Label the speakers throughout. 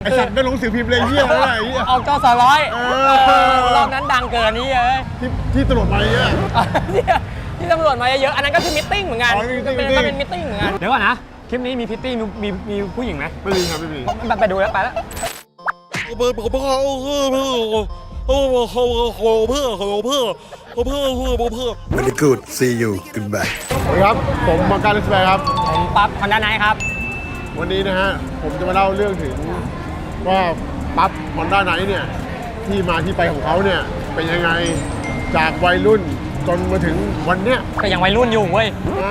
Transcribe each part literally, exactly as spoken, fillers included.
Speaker 1: ไอสัตว์ไม่ลงสือพิมพ์เลยเหี้ยอะไรเหี้ย
Speaker 2: ออกจอสร้อยรอบนั้นดังเกินนี่เอ้ย
Speaker 1: ที่ที่ตำรวจมาเยอะ
Speaker 2: ที่ตำรวจมาเยอะๆอันนั้นก็คือมิทติ้งเหมือนกัน
Speaker 1: อ๋อมี meeting
Speaker 2: เป็น
Speaker 1: meeting
Speaker 2: ก็เป็นมิทติ้งเหมือนกันเดี๋ยวก่อนนะคลิปนี้มีพิตตี้มีมีมีผู้หญิงไหม
Speaker 1: ไม่มีครับไม่มี
Speaker 2: ไปดูแล้วไปแล้ว
Speaker 3: เพื่อเพื่อเพื่อเพื่อเพื่อเพื่อเพื่อเพื่อเพื่อเพื่อเพื่อเพื่อเพื่อเพื่อเพื่อ
Speaker 4: Very good. See you. Goodbye.
Speaker 1: สวัสดีครับผมมังการเลสแบร์ครับ
Speaker 2: ผมปั๊บคอนด้าไนท์ครับ
Speaker 1: วันนี้นะฮะผมจะมาเล่าเรื่องถึงว่าปั๊บฮอนด้าไนท์เนี่ยที่มาที่ไปของเขาเนี่ยเป็นยังไงจากวัยรุ่นจนมาถึงวันเนี้ย
Speaker 2: ก็ยังวัยรุ่นอยู่เว้ย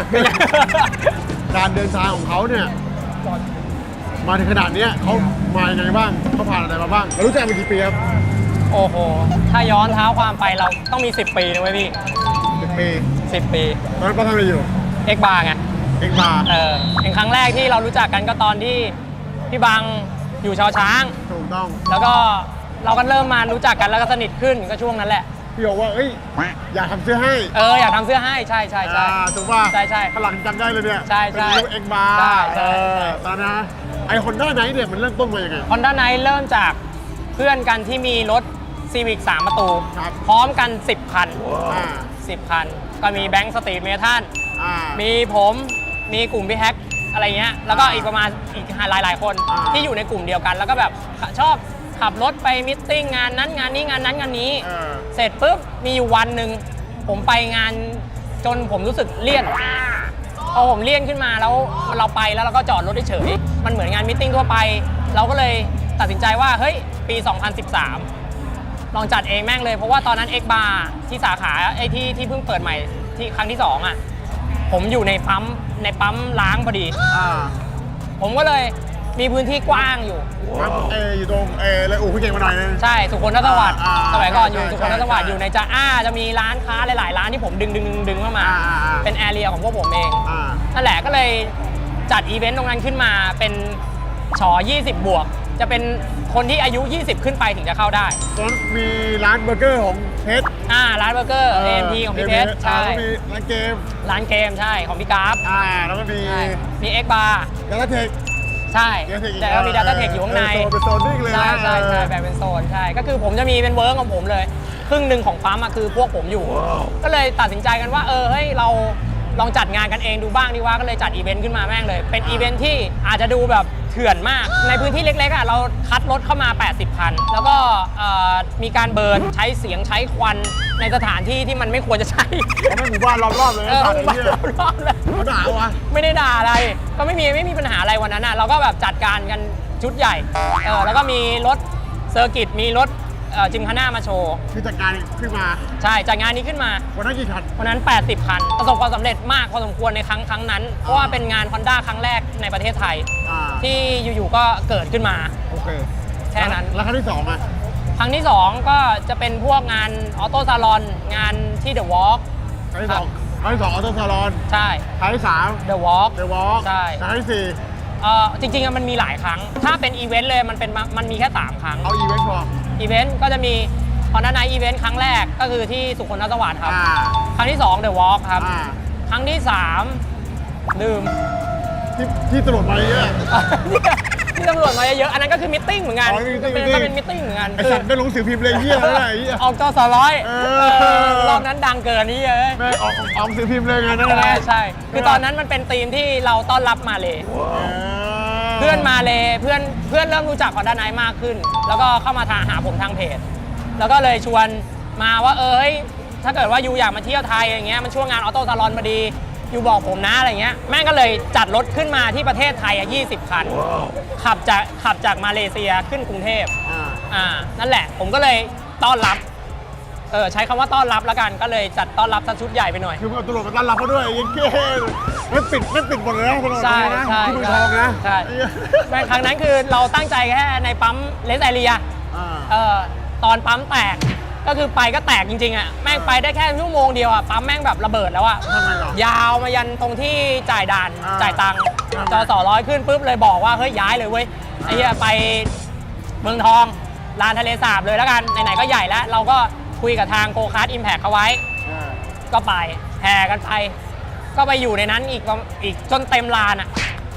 Speaker 1: การเดินทางของเขาเนี่ยมาถึงขนาดเนี้ยเขามายังไงบ้างเขาผ่านอะไรมาบ้างแล้วรู้จักมากี่ปีครับ
Speaker 2: โอ้โหถ้าย้อนเท้าความไปเราต้องมีสิบปีนะเว้ยพี่
Speaker 1: สิบปี
Speaker 2: สิบปี
Speaker 1: ตอนนั้นป้าทำอะไรอยู่
Speaker 2: เอ็กบาร์ไง
Speaker 1: เอกมา
Speaker 2: เออเป็นครั้งแรกที่เรารู้จักกันก็ตอนที่พี่บังอยู่ชาวช้าง
Speaker 1: ถูกต้อง
Speaker 2: แล้วก็เราก็เริ่มมารู้จักกันแล้วก็สนิทขึ้นก็ช่วงนั้นแหละ
Speaker 1: พี่บอกว่าเอ้ยอยากทำเสื้อให้
Speaker 2: เอออยากทำเสื้อให้ใช่ใช่ใช่
Speaker 1: อ่าถูกป่ะ
Speaker 2: ใช่ใช่
Speaker 1: ฝรั่งจำได้เลยเนี่ย
Speaker 2: ใช่ใช่
Speaker 1: เป็นรูปเอกมา
Speaker 2: ใช่ใช่
Speaker 1: เออตอนนั้นนะไอฮอนด้าไนท์เนี่ยมันเริ่มต้นมายังไง
Speaker 2: ฮอนด้าไนท์เริ่มจากเพื่อนกันที่มีรถซีวิกสามประตู
Speaker 1: ครับ
Speaker 2: พร้อมกันสิบคัน
Speaker 1: อ่า
Speaker 2: สิบคัน ก็มีแบงค์สตรีทเมทัล
Speaker 1: อ่า
Speaker 2: มีผมมีกลุ่มพี่แฮกอะไรเงี้ยแล้วก็
Speaker 1: อ่า
Speaker 2: อีกประมาณอีกหลายหลายๆคน
Speaker 1: อ่า
Speaker 2: ที่อยู่ในกลุ่มเดียวกัน แล้วก็แบบชอบขับรถไปมิทติ้งงานนั้นงานนี้งานนั้นงานนี้
Speaker 1: เออ
Speaker 2: เสร็จปุ๊บมีอยู่วันหนึ่งผมไปงานจนผมรู้สึกเลี่ยนพอผมเลี่ยนขึ้นมาแล้วเราไปแล้วเราก็จอดรถเฉยๆมันเหมือนงานมิทติ้งทั่วไป เราก็เลยตัดสินใจว่าเฮ้ยปี สองพันสิบสาม ลองจัดเองแม่งเลยเพราะว่าตอนนั้น X Bar ที่สาขาไอ้ที่ที่เพิ่งเปิดใหม่ที่ครั้งที่สองอ่ะผมอยู่ในปั๊มในปั๊มล้างพอดี
Speaker 1: อ่า
Speaker 2: ผมก็เลยมีพื้นที่กว้างอยู่
Speaker 1: ครับเออยู่ตรงเอเลยอู่พี่เก่งมาหน่อยนึง
Speaker 2: ใช่สุขนทสวัสดิ์
Speaker 1: อ่า
Speaker 2: สมัยก่อนอยู่
Speaker 1: ใช่
Speaker 2: สุขนทสวัสดิ์
Speaker 1: ใช่
Speaker 2: อยู่ในจะอ้าจะมีร้านค้าหลาย ๆ ร้านที่ผมดึงดึงดึงดึงเข้ามา
Speaker 1: อ่าอ่าอ่า
Speaker 2: เป็นแอเรียของพวกผมเอง
Speaker 1: อ่า
Speaker 2: นั่นแหละก็เลยจัดอีเวนต์ตรงนั้นขึ้นมาเป็นฉอยี่สิบบวก จะเป็นคนที่อายุ ยี่สิบ ขึ้นไปถึงจะเข้าได้
Speaker 1: ตอนนั้นมีร้านเบอร์เกอร์ของเพชร
Speaker 2: อ่าร้านเบอร์เกอร์ เอ็ม พี ของพี่เพชร
Speaker 1: ใช่
Speaker 2: ใช่
Speaker 1: แล้วก็มีร้านเกม
Speaker 2: ร้านเกมใช่ของพี่กราฟ
Speaker 1: อ่าแล้วก็มี
Speaker 2: ใช่มี X Bar
Speaker 1: ดาต้าเทค
Speaker 2: ใช่
Speaker 1: Data Tech อีก
Speaker 2: แต่ก็มี Data Tech อยู่ข้างใน
Speaker 1: เออโซนเป็นโซนนิ่งเลยนะ
Speaker 2: ใช่ใช่ใช่แบ่งเป็นโซนใช่ก็คือผมจะมีเป็นเวิร์กของผมเลยครึ่งหนึ่งของปั๊มอะคือพวกผมอยู่ ก็เลยตัดสินใจกันว่าเออเฮ้ยเราลองจัดงานกันเองดูบ้างดีว่าก็เลยจัดอีเวนต์ขึ้นมาแม่งเลย เป็นอีเวนต์ที่อาจจะดูแบบเถื่อนมาก ในพื้นที่เล็กๆอะเราคัดรถเข้ามา แปดสิบ คัน แล้วก็เอ่อมีการเบิร์นใช้เสียงใช้ควันในสถานที่ที่มันไม่ควรจะใช้
Speaker 1: เขาไม่หมู่บ้านรอบๆเลย
Speaker 2: เอ
Speaker 1: นะ
Speaker 2: อ
Speaker 1: สัตว์
Speaker 2: หมู่
Speaker 1: ไอ้
Speaker 2: บ้าน
Speaker 1: เหี้ย
Speaker 2: รอบๆเลย
Speaker 1: เขาด่าวะ
Speaker 2: ไม่ได้ด่าอะไร ก็ไม่มีไม่มีปัญหาอะไรวันนั้นอ่ะ เราก็แบบจัดการกันชุดใหญ่ เออแล้วก็มีรถเซอร์กิต มีรถเอ่อจิมคาน่ามาโชว์
Speaker 1: คือจัดการขึ้นมา
Speaker 2: ใช่ จัดงานนี้ขึ้นมา
Speaker 1: วันนั้นกี่คัน
Speaker 2: วันนั้น แปดสิบ คัน ประสบความสำเร็จมากพอสมควรในครั้งครั้งนั้น เพราะว่าเป็นงาน Honda ครั้งแรกในประเทศไทย
Speaker 1: อ่า
Speaker 2: ที่อยู่ๆก็เกิดขึ้นมา
Speaker 1: โอเค
Speaker 2: แค่นั้น
Speaker 1: แล้วคันที่สองอ่ะ
Speaker 2: ครั้งที่ สอง ก็จะเป็นพวกงานออโต้ซาลอนงานที่ The Walk
Speaker 1: คันที่สองคันที่สองออโต้ซาลอน
Speaker 2: ใช่
Speaker 1: คันที่สาม
Speaker 2: The Walk
Speaker 1: เดอะวอล์ก
Speaker 2: ใช่
Speaker 1: คันที่สี่
Speaker 2: เอ่อจริงๆอะมันมีหลายครั้ง ถ้าเป็นอีเวนต์เลยมันเป็นมามันมีแค่สามครั้ง
Speaker 1: เอาอีเวนต์พอ
Speaker 2: อีเวนต์ก็จะมีฮอนด้าไนท์อีเวนต์ครั้งแรกก็คือที่สุขนทสวัสดิ์ครับ
Speaker 1: อ่า
Speaker 2: ครั้งที่สองเดอะวอล์กครับ
Speaker 1: อ่า
Speaker 2: ครั้งที่สามลืม
Speaker 1: ที่ที่ตำรวจมาเยอะ
Speaker 2: ที่ตำรวจมาเยอะๆอันนั้นก็คือมิทติ้งเหมือนกัน
Speaker 1: อ๋อมี meeting
Speaker 2: เป็น
Speaker 1: meeting
Speaker 2: ก็เป็นมิทติ้งเหมือนกัน
Speaker 1: ไอสัตว์ไม่ลงสือพิมพ์เลยเหี้ยอะไรเหี้ย
Speaker 2: ออกจอสร้อย
Speaker 1: เออ
Speaker 2: เออรอบนั้นดังเกินนี่เอ้ย
Speaker 1: แม่งออกออกสือพิมพ์เลยไงนั่น
Speaker 2: ใช่
Speaker 1: แหละ
Speaker 2: ใช่คือตอนนั้นมันเป็นธีมที่เราต้อนรับมาเลย
Speaker 1: เออ
Speaker 2: เพื่อนมาเลยเพื่อนเพื่อนเริ่มรู้จักฮอนด้าไนท์มากขึ้น แล้วก็เข้ามาทางหาผมทางเพจ แล้วก็เลยชวนมาว่าเออเฮ้ยถ้าเกิดว่ายูอยากมาเที่ยวไทยอย่างเงี้ยมันช่วงงานออโต้ซาลอนพอดียูบอกผมนะอะไรเงี้ยแม่งก็เลยจัดรถขึ้นมาที่ประเทศไทยอ่ะยี่สิบ คัน ขับจากขับจากมาเลเซียขึ้นกรุงเทพ
Speaker 1: อ่า
Speaker 2: อ่านั่นแหละผมก็เลยต้อนรับเออใช้คำว่าต้อนรับแล้วกันก็เลยจัดต้อนรับสักชุดใหญ่ไปหน่อย
Speaker 1: คือเอาตำรวจมาต้อนรับเขาด้วยยังเก้ไม่ปิดไม่ปิดหมดเลยนะตำรวจ
Speaker 2: ใช่
Speaker 1: นะ
Speaker 2: ใช่
Speaker 1: ที่เมืองทองนะ
Speaker 2: ใช่แม่งครั้งนั้นคือเราตั้งใจแค่ในปั๊มเลสไอเรีย
Speaker 1: อ่า
Speaker 2: เออตอนปั๊มแตกก็คือไปก็แตกจริงๆอ่ะแม่งไปได้แค่ชั่วโมงเดียวอ่ะปั๊มแม่งแบบระเบิดแล้วอ่ะ
Speaker 1: ทำไมหรอย
Speaker 2: าวมายันตรงที่จ่ายด่าน
Speaker 1: อ่า
Speaker 2: จ่ายตังค์
Speaker 1: อ่า
Speaker 2: จอสอร้อยขึ้นปุ๊บเลยบอกว่าเฮ้ยย้ายเลยเว้ยไอ้เหี้ยไปเมืองทองลานทะเลสาบเลยแล้วกันไหนๆก็ใหญ่แล้ว เราก็คุยกับทางโกคาร์ดอิมแพคเขาไว้
Speaker 1: อ่า
Speaker 2: ก็ไปแห่กันไป ก็ไปอยู่ในนั้นอีกประอีกจนเต็มลานอ่ะ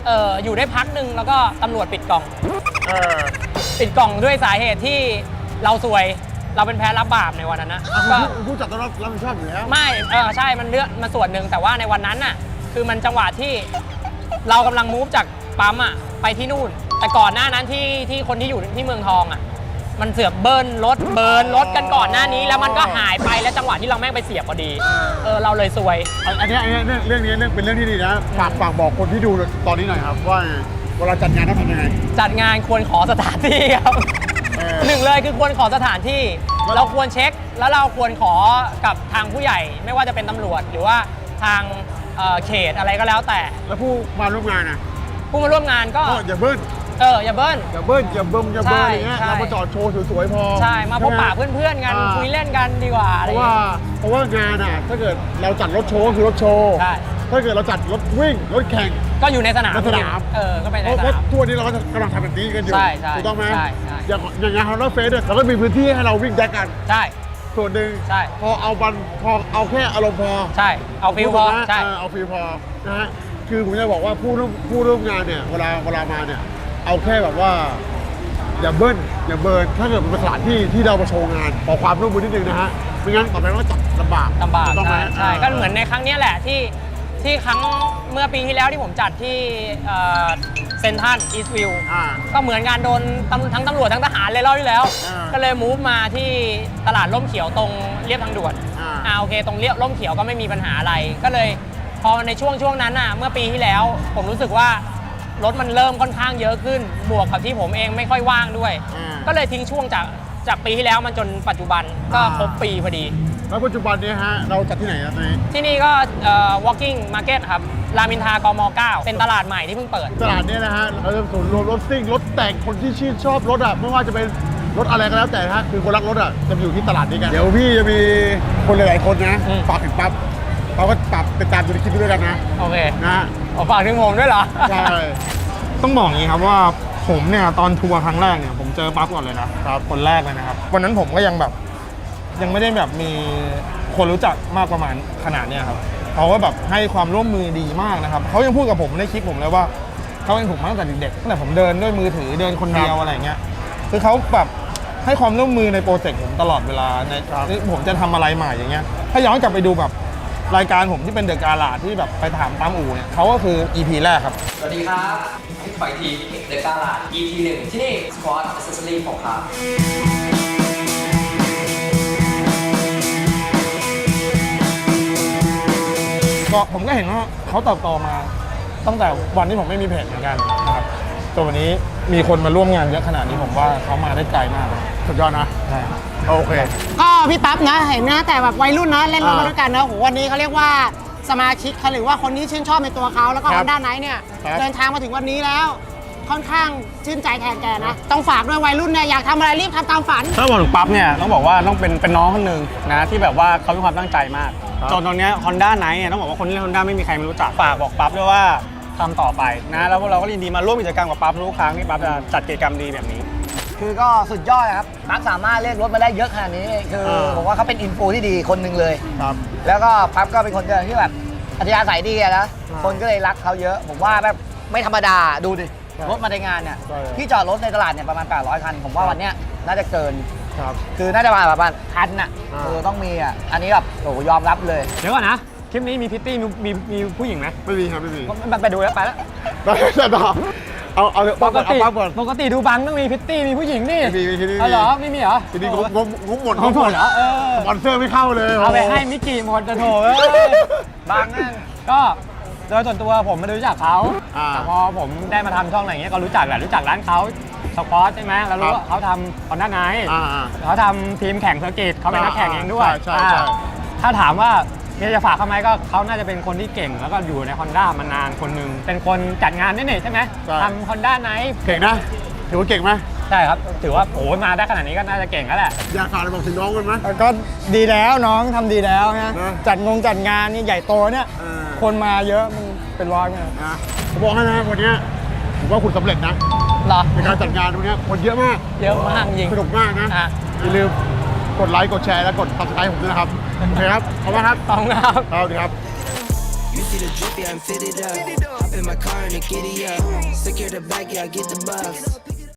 Speaker 2: เอออยู่ได้พักหนึ่งแล้วก็ตำรวจปิดกล่อง
Speaker 1: เออ
Speaker 2: ปิดกล่องด้วยสาเหตุที่เราซวยเราเป็นแพ้รับบาปในวันนั้นนะ
Speaker 1: อ่ะ
Speaker 2: ก็
Speaker 1: คุณผู้จัดต้องรับรับผิดชอบอยู่แล้ว
Speaker 2: ไม่เออใช่มันเลือกมาส่วนหนึ่งแต่ว่าในวันนั้นน่ะคือมันจังหวะที่เรากำลังมูฟจากปั๊มอ่ะไปที่นู่น แต่ก่อนหน้านั้นที่ที่คนที่อยู่ที่เมืองทองอ่ะมันเสือกเบิ้ลรถเบิร์นรถกันก่อนหน้านี้ แล้วมันก็หายไปแล้วจังหวะที่เราแม่งไปเสียบพอดีเออเราเลยซวย
Speaker 1: อันอันเนี้ยอันเนี้ยเรื่องเรื่องนี้เรื่องเป็นเรื่องที่ดีนะฝากฝากบอกคนที่ดูตอนนี้หน่อยครับว่าเวลาจัดงานต้องทำยังไง
Speaker 2: จัดงานควรขอสถานที่ครับ
Speaker 1: เออ
Speaker 2: หนึ่งเลยคือควรขอสถานที่ เราควรเช็คแล้วเราควรขอกับทางผู้ใหญ่ ไม่ว่าจะเป็นตำรวจหรือว่าทางเอ่อเขตอะไรก็แล้วแต่
Speaker 1: แล้วผู้มาร่วมงานนะ
Speaker 2: ผู้มาร่วมงานก็
Speaker 1: ก็อย่าเบิ้ล
Speaker 2: เอออย่าเบิ้ล
Speaker 1: อย่าเบิ้ลอย่าเบิ้มอย่าเบิ้ล
Speaker 2: ใช่
Speaker 1: อะไรเงี้ย
Speaker 2: ใช่
Speaker 1: เรามาจอดโชว์สวยๆพอ
Speaker 2: ใช่มาพบปะ
Speaker 1: ใช่ไห
Speaker 2: เพื่อนๆกัน
Speaker 1: อ่า
Speaker 2: คุยเล่นกันดีกว่าอะ
Speaker 1: เพ
Speaker 2: ไรอ
Speaker 1: ราะ
Speaker 2: ย่าง
Speaker 1: ว่า
Speaker 2: เงี้ย
Speaker 1: เพราะว่างานอ่ะถ้าเกิดเราจัดรถโชว์ก็คือรถโชว์
Speaker 2: ใช่
Speaker 1: ถ้าเกิดเราจัดรถวิ่งรถแข่ง
Speaker 2: ก็อยู่ในสนาม
Speaker 1: ในสนาม
Speaker 2: เออก็ไปใน
Speaker 1: เพราะ
Speaker 2: ส
Speaker 1: เพราะ
Speaker 2: นาม
Speaker 1: ทั่วนี้เราก็กำลังทำแบบนี้กันอยู่
Speaker 2: ใช่ใช่
Speaker 1: ถูกต้องไหม
Speaker 2: ใช่ใช่
Speaker 1: อย่างอย่างงานฮอนด้าเฟสเนี่ยเราก็มีพื้นที่ให้เราวิ่งแดกกัน
Speaker 2: ใช่
Speaker 1: ส่วนหนึ่ง
Speaker 2: ใช่
Speaker 1: พอเอาบันพอเอาแค่อารมณ์พอ
Speaker 2: ใช่เอาฟิลพอ
Speaker 1: ถูกไหม
Speaker 2: ใช่
Speaker 1: เเอาฟิลพอนะฮะคือผมจะบอกว่าผู้ร่วมผู้ร่วมงานเนี่ยเวลาเวลามาเนี่ยเอาแค่แบบว่า อย่าเบิ้ลอย่าเบิร์นถ้าเกิดเป็นสถานที่ที่เรามาโชว์งานขอความร่วมมือนิดนึงนะฮะไม่งั้นต่อไปเราก็จัดลำบาก
Speaker 2: ลำบาก
Speaker 1: ถูต้องไหม
Speaker 2: ใช่ใช่ก็เหมือนในครั้งเนี้ยแหละที่ที่ครั้งเมื่อปีที่แล้วที่ผมจัดที่เซนทันอีสต์วิว
Speaker 1: อ่า
Speaker 2: ก็เหมือนงานโดนตำทั้งตำรวจทั้งทหารเลยรอบที่แล้ว
Speaker 1: อ่า
Speaker 2: ก็เลยมูฟมาที่ตลาดร่มเขียวตรงเรียบทางด่วน
Speaker 1: อ่า
Speaker 2: อ่าโอเคตรงเรียบร่มเขียวก็ไม่มีปัญหาอะไร ก็เลยพอในช่วงช่วงนั้นน่ะเมื่อปีที่แล้ว ผมรู้สึกว่ารถมันเริ่มค่อนข้างเยอะขึ้น บวกกับที่ผมเองไม่ค่อยว่างด้วย
Speaker 1: อ่า
Speaker 2: ก็เลยทิ้งช่วงจากจากปีที่แล้วมันจนปัจจุบันก็ครบปีพอดี
Speaker 1: แล้วปัจจุบันเนี้ฮะเราจัดที่ไหนครับตอนนี้
Speaker 2: ที่นี่ก็เอ่อ walking market ครับ รามอินทรากม เก้า เป็นตลาดใหม่ที่เพิ่งเปิด
Speaker 1: ตลาดเนี้นะฮะเราจะศูนย์รวมรถซิ่งรถแต่งคนที่ชื่นชอบรถอ่ะไม่ว่าจะเป็นรถอะไรก็แล้วแต่นะฮะคือคนรักรถอ่ะจะมาอยู่ที่ตลาดนี้กันเดี๋ยวพี่จะมีคนหลายๆคนนะ
Speaker 2: อืม
Speaker 1: ฝากถึงปั๊บเขาก็ปรับเป็นตามดูในคลิปด้วยกันนะ
Speaker 2: โอเค
Speaker 1: นะฮะ
Speaker 2: เอาฝากถึงผมด้วยเหรอ
Speaker 1: ใช่
Speaker 5: ต้องบอกอย่างนี้ครับว่าผมเนี่ยตอนทัวร์ครั้งแรกเนี่ยผมเจอปั๊บก่อนเลยนะครับคนแรกเลยนะครับวันนั้นผมก็ยังแบบยังไม่ได้แบบมีคนรู้จักมากประมาณขนาดเนี้ยครับเขาก็แบบให้ความร่วมมือดีมากนะครับเขายังพูดกับผมในคลิปผมเลยว่าเขาเองผมมาตั้งแต่เด็กๆตั้งแต่ผมเดินด้วยมือถือเดินคนเดียวอะไรอย่างเงี้ยคือเขาแบบให้ความร่วมมือในโปรเจกต์ผมตลอดเวลาในที่ผมจะทำอะไรใหม่อย่างเงี้ยถ้าย้อนกลับไปดูแบบรายการผมที่เป็นเดอะการ์ลาที่แบบไปถามตามอู่เนี่ยเขาก็คือ อี พี แรกครับ
Speaker 6: สวัสดีครับพี่ขอยทีเดอะกาลาด อี พี หนึ่งที่นี่ Squad Accessory ผมครับ
Speaker 5: ก็ผมก็เห็นว่าเขาเติบโตมาตั้งแต่วันที่ผมไม่มีเพจเหมือนกันนะครับจนวันนี้มีคนมาร่วมงานเยอะขนาดนี้ผมว่าเขามาได้ไกลมากเลย
Speaker 1: สุดยอดนะ
Speaker 5: ใช่
Speaker 1: โอเค
Speaker 7: ก็พี่ปั๊บนะเห็นนะแต่แบบวัยรุ่นนะเล่นรถมา
Speaker 1: อ่า
Speaker 7: ด้วยกันนะโหวันนี้เขาเรียกว่าสมาชิกเขาหรือว่าคนที่ชื่นชอบในตัวเขาแล้วก็
Speaker 1: ค
Speaker 7: ฮ
Speaker 1: รั
Speaker 7: อบ นด้าไนท์เนี่ย
Speaker 1: ครับ
Speaker 7: เดินทางมาถึงวันนี้แล้ว ค่อนข้างชื่นใจแทนแกนะ ต้องฝากด้วยวัยรุ่นเนี่ยอยากทำอะไรรีบทำตามฝัน
Speaker 8: ถ้าบอกถึงปั๊บเนี่ยต้องบอกว่าต้องเป็นเป็นน้องคนหนึ่งนะที่แบบว่าเขามีความตั้งใจมากจนตอนเนี้ฮอนด้าไนท์เนี่ยต้องบอกว่าคนที่เล่นฮอนด้าไม่มีใครไม่รู้จักฝากบอกปั๊บด้วยว่าทำต่อไปนะแล้วพวกเราก็ยินดีมาร่วมกิจกรรมกับปั๊บทุกครั้งที่ปั๊บจะจัดกิจกรรมดีแบบนี้
Speaker 9: คือก็สุดยอดครับปั๊บสามารถเรียกรถมาได้เยอะขนาดนี้ คือ
Speaker 1: อ่า
Speaker 9: ผมว่าเขาเป็นอินฟูที่ดีคนหนึ่งเลย
Speaker 1: ครับ
Speaker 9: แล้วก็ปั๊บก็เป็นคนเดียวที่แบบอัธยาศัยดีอะนะ
Speaker 1: อ่า
Speaker 9: คนก็เลยรักเขาเยอะ ผมว่าแบบไม่ธรรมดาดูดิ
Speaker 1: ใช่
Speaker 9: รถมาในงานเนี่ย
Speaker 1: ใช่
Speaker 9: ที่จอดรถในตลาดเนี่ยประมาณแปดร้อยคัน ผมว่าวันเนี้ยน่าจะเกิน
Speaker 1: ครับ
Speaker 9: คือน่าจะประมาณประมาณพันน่ะ
Speaker 1: อ่า
Speaker 9: เออต้องมีอ่ะอันนี้แบบโอ้โหยอมรับเลย
Speaker 8: เดี๋ยวก่อนนะ คลิปนี้มีพิตตี้มีมีมีผู้หญิงไหม
Speaker 1: ไม่มีครับไม่มี
Speaker 9: มันไปดูแล้วไปแล้ว
Speaker 1: ได้ได้ต่อเอาเอาเอา
Speaker 8: ป
Speaker 1: ปั๊บ
Speaker 8: ก
Speaker 1: ก่อนเอา
Speaker 8: ติ
Speaker 1: ปั๊บก่อน
Speaker 8: ปกติดูบังต้องมีพิตตี้มีผู้หญิงนี่
Speaker 1: ไม่มีไม่มีที่นี่
Speaker 8: อ๋อเหรอไม่มีเหรอ
Speaker 1: ทีนี้งบงบงบหมด
Speaker 8: เอาหมดเหรอเออ
Speaker 1: สปอนเซอร์ไม่เข้าเลย
Speaker 8: เอาไป
Speaker 1: โโ
Speaker 8: ให้มิกกี้หมดจะโถเอ้ย
Speaker 9: บางนั่น
Speaker 8: ก็โดยส่วนตัวผมไม่ได้รู้จักเขา
Speaker 1: อ่า
Speaker 8: แต่พอผมได้มาทำช่องอะไรอย่างเงี้ยก็รู้จักแหละรู้จักร้านเขาสปอร์ตใช่ไหมแล้วรู้
Speaker 1: ครับ
Speaker 8: ว่าเขาทำคอนด้าไนท์
Speaker 1: อ่าอ่า
Speaker 8: เขาทำทีมแข่งเซอร์กิตเขาเป็นนักแข่งเองด้วย
Speaker 1: ใช่ใช่ใช่
Speaker 8: อ่าถ้าถามว่ามีอะไรจะฝากเขาไหมก็เขาน่าจะเป็นคนที่เก่ง แล้วก็อยู่ใน Honda มานานคนหนึ่งเป็นคนจัดงานนี่นี่ใช่ไหม
Speaker 1: ใช่
Speaker 8: ทำ Honda Night
Speaker 1: เก่งนะถือว่าเก่งไหม
Speaker 8: ใช่ครับ ถือว่าโอ้ยมาได้ขนาดนี้ก็น่าจะเก่งแล้วแหละ
Speaker 1: อยากฝากอะไรบอกถึงน้องกันไหม
Speaker 5: ก็ดีแล้วน้องทำดีแล้วนะ
Speaker 1: นะ
Speaker 5: จัดงงจัดงานนี่ใหญ่โตเนี่ย
Speaker 1: เออ
Speaker 5: คนมาเยอะมันเป็นร้อยเนี่ย
Speaker 1: นะผมบอกให้นะวันเนี้ยผมว่าคุณสำเร็จนะ
Speaker 2: เหรอ
Speaker 1: ในการจัดงานวันเนี้ยคนเยอะมาก
Speaker 2: เยอะมากจริง
Speaker 1: สนุกมากนะ
Speaker 2: อ่ะ
Speaker 1: อย่าลืมกดไลค์กดแชร์และกด ซับสไครบ์ผมด้วยนะครับโอเคครับขอบคุณครับ
Speaker 2: ขอบคุณครับ
Speaker 1: สวัสดีครับ
Speaker 10: You You see the drip, yeah, I'm fitted up. Hop in my car and a giddy up. Secure the bag, yeah, I get the bucks.